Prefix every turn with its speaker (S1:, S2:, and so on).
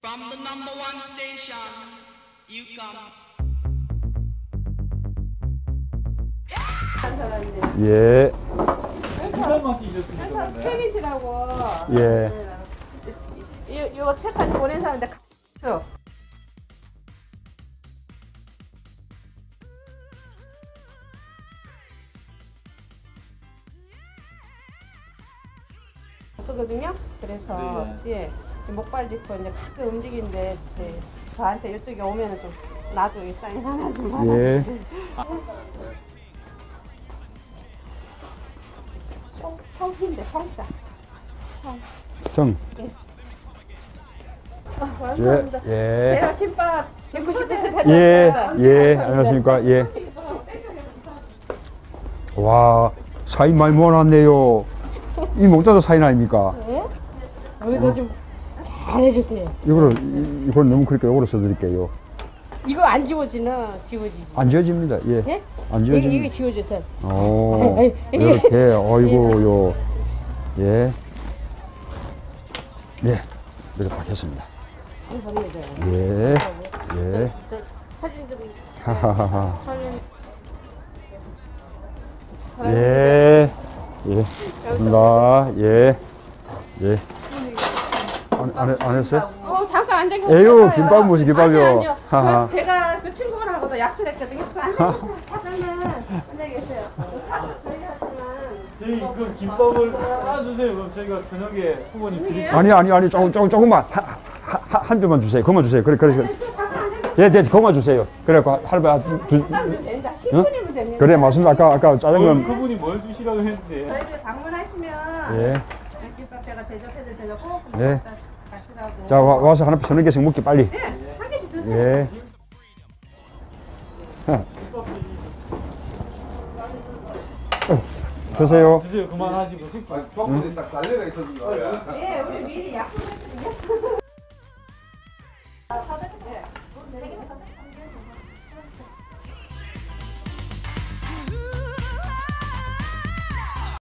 S1: From the number one station, you come.
S2: 예,
S3: 부산 맡기셨으니까
S4: 항상 팬이시라고.
S2: 예.
S4: 이거 책까지 보낸 사람인데 쭉. 거든요. 그래서 예, 목발 짚고 이제 가끔 움직이는데 저한테 이쪽에 오면은 좀 나도 이 사인 하나 좀 받아주세요. 성인데 성자.
S2: 성.
S4: 감사합니다.
S2: 예.
S4: 제가 김밥 듣고 싶어서
S2: 예,
S4: 찾았어요.
S2: 예. 안녕하십니까. 예. 와, 사인 많이 모아놨네요. 이 목자도 사인 아닙니까?
S4: 네? 이거 좀 잘해주세요.
S2: 이걸 너무 그렇게 요거로 써드릴게요.
S4: 이거 안 지워지나 지워지지?
S2: 안 지워집니다. 예.
S4: 예?
S2: 안
S4: 이게
S2: 지워집니다.
S4: 지워져서.
S2: 오,
S4: 아이,
S2: 이렇게, 어이구요. 예. 네. 이렇게 받겠습니다.
S4: 감사합니다.
S2: 예. 예.
S4: 저 사진 좀.
S2: 하하하하.
S4: 사진.
S2: 예. 예. 감사합니다. 예. 예. 안 했어요?
S4: 잠깐 앉아 계세요.
S2: 에휴, 김밥 무슨 김밥이요?
S4: 아니요.
S2: 하하.
S4: 제가 그 친구분하고도 약속했거든요. 앉아 계세요. 잠깐만 앉아 계세요. 사진 저희하지만.
S3: 저희 그 김밥을 싸주세요. 그럼 저희가 저녁에 후보님 드릴게요.
S2: 아니, 조금만. 한 줄만 주세요. 그만 주세요. 그래. 예, 그만 주세요. 그래갖고 할바
S4: 된다. 10분이면 됩니다.
S2: 그래, 맞습니다. 아까 짜장면.
S3: 그분이 뭘 주시라고 했는데.
S4: 저희들 방문하시면
S2: 예.
S4: 김밥 제가 대접해드릴 테니까 꼭
S2: 예.
S4: 가시라고.
S2: 자, 와서 하나 서너 개씩 먹기 빨리.
S4: 네, 한 개씩 드세요.
S2: 예. 드세요.
S3: 드세요. 그만하시고.
S5: 조금 딱 달려가 있었는 거야.
S4: 예, 우리 미리 약속했거든요.